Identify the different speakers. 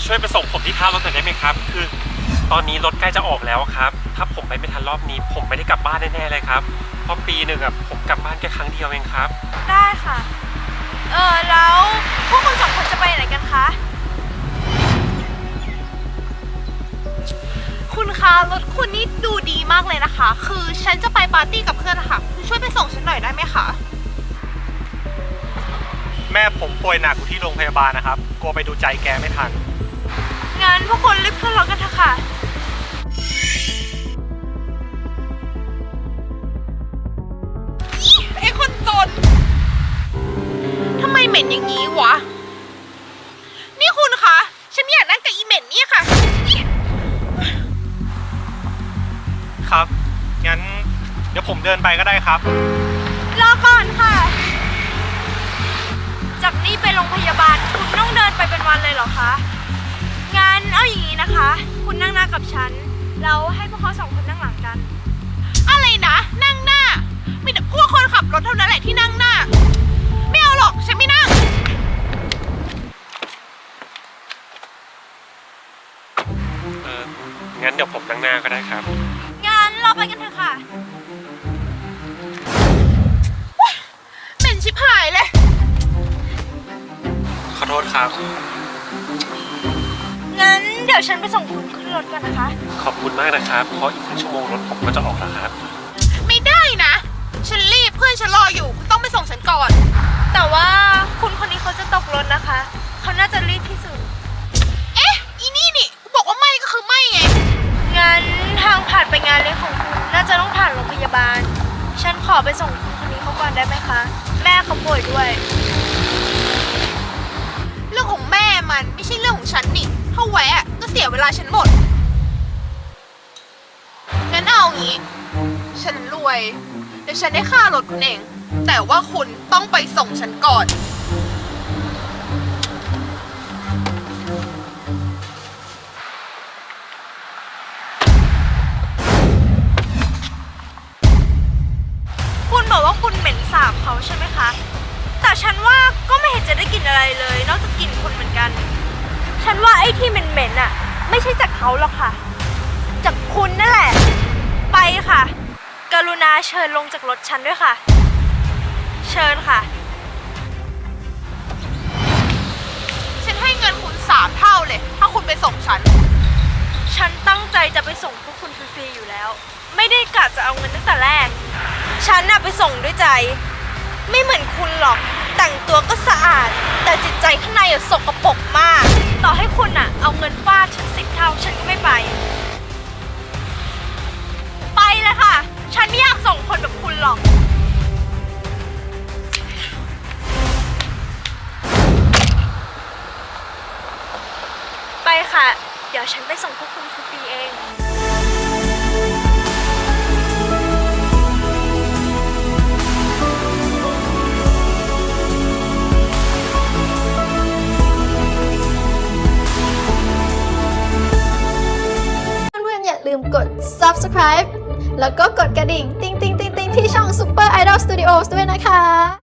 Speaker 1: ช่วยไปส่งผมที่ท่ารถหน่อยได้ไหมครับคือตอนนี้รถใกล้จะออกแล้วครับถ้าผมไปไม่ทันรอบนี้ผมไม่ได้กลับบ้านแน่ๆเลยครับเพราะปีหนึ่งผมกลับบ้านแค่ครั้งเดียวเองครับ
Speaker 2: ได้ค่ะแล้วพวกคุณสองคนจะไปไหนกันคะคุณคะรถคุณนี่ดูดีมากเลยนะคะคือฉันจะไปปาร์ตี้กับเพื่อนนะคะคุณช่วยไปส่งฉันหน่อยได้ไหมคะ
Speaker 1: แม่ผมป่วยหนักอยู่ที่โรงพยาบาลนะครับกลัวไปดูใจแกไม่ทัน
Speaker 2: งั้นพวกคุณรีบขึ้นรถกันเถอะค่ะไอ้คนจนทำไมเหม็นอย่างนี้วะนี่คุณคะฉันไม่อยากนั่งกับอีเหม็นนี่ค่ะ
Speaker 1: ครับงั้นเดี๋ยวผมเดินไปก็ได้ครับ
Speaker 2: รอก่อนค่ะจากนี่ไปโรงพยาบาลคุณต้องเดินไปเป็นวันเลยเหรอคะงั้นเอาอย่างนี้นะคะคุณนั่งหน้ากับฉันแล้วให้พวกเขาสองคนนั่งหลังกันอะไรนะนั่งหน้ามีแต่พวกคนขับรถเท่านั้นแหละที่นั่งหน้าไม่เอาหรอกฉันไม่นั่ง
Speaker 1: งั้นเดี๋ยวผมนั่งหน้าก็ได้ครับ
Speaker 2: งั้นเราไปกันเถอะค่ะเหม็นชิบหายเลย
Speaker 1: ขอโทษครับ
Speaker 2: งั้นเดี๋ยวฉันไปส่งคุณขึ้นรถกันนะคะ
Speaker 1: ขอบคุณมากนะครับเพราะอีก1 ชั่วโมงรถผมก็จะออกแล้วครับ
Speaker 2: ไม่ได้นะฉันรีบเพื่อนฉันรออยู่คุณต้องไปส่งฉันก่อนแต่ว่าคุณคนนี้เขาจะตกรถนะคะเขาน่าจะรีบที่สุดเอ๊ะอีนี่กูบอกว่าไม่ก็คือไม่ไงงั้นทางผ่านไปงานเลี้ยงของคุณน่าจะต้องผ่านโรงพยาบาลฉันขอไปส่งคุณคนนี้เขาก่อนได้ไหมคะแม่เขาป่วยด้วยเรื่องของแม่มันไม่ใช่เรื่องของฉันนี่ถ้าแวะก็เสียเวลาฉันหมดงั้นเอางี้ฉันรวยเดี๋ยวฉันได้ค่ารถคุณเองแต่ว่าคุณต้องไปส่งฉันก่อนคุณบอกว่าคุณเหม็นสาบเขาใช่ไหมคะแต่ฉันว่าก็ไม่เห็นจะได้กลิ่นอะไรเลยนอกจากกลิ่นคุณเหมือนกันฉันว่าไอ้ที่เหม็นๆอ่ะไม่ใช่จากเขาหรอกค่ะจากคุณนั่นแหละไปค่ะกรุณาเชิญลงจากรถฉันด้วยค่ะเชิญค่ะฉันให้เงินคุณ3 เท่าเลยถ้าคุณไปส่งฉันตั้งใจจะไปส่งพวกคุณฟรีๆอยู่แล้วไม่ได้กะจะเอาเงินตั้งแต่แรกฉันน่ะไปส่งด้วยใจไม่เหมือนคุณหรอกแต่งตัวก็สะอาดแต่จิตใจข้างในสกปรกมากต่อให้คุณน่ะเอาเงินฟาดฉัน10 เท่าฉันก็ไม่ไปเลยค่ะฉันไม่อยากส่งคนแบบคุณหรอกไปค่ะเดี๋ยวฉันไปส่งพวกคุณฟรีๆเอง
Speaker 3: อย่าลืมกด subscribe แล้วก็กดกระดิ่งติ๊งๆๆๆที่ช่อง Super Idol Studios ด้วยนะคะ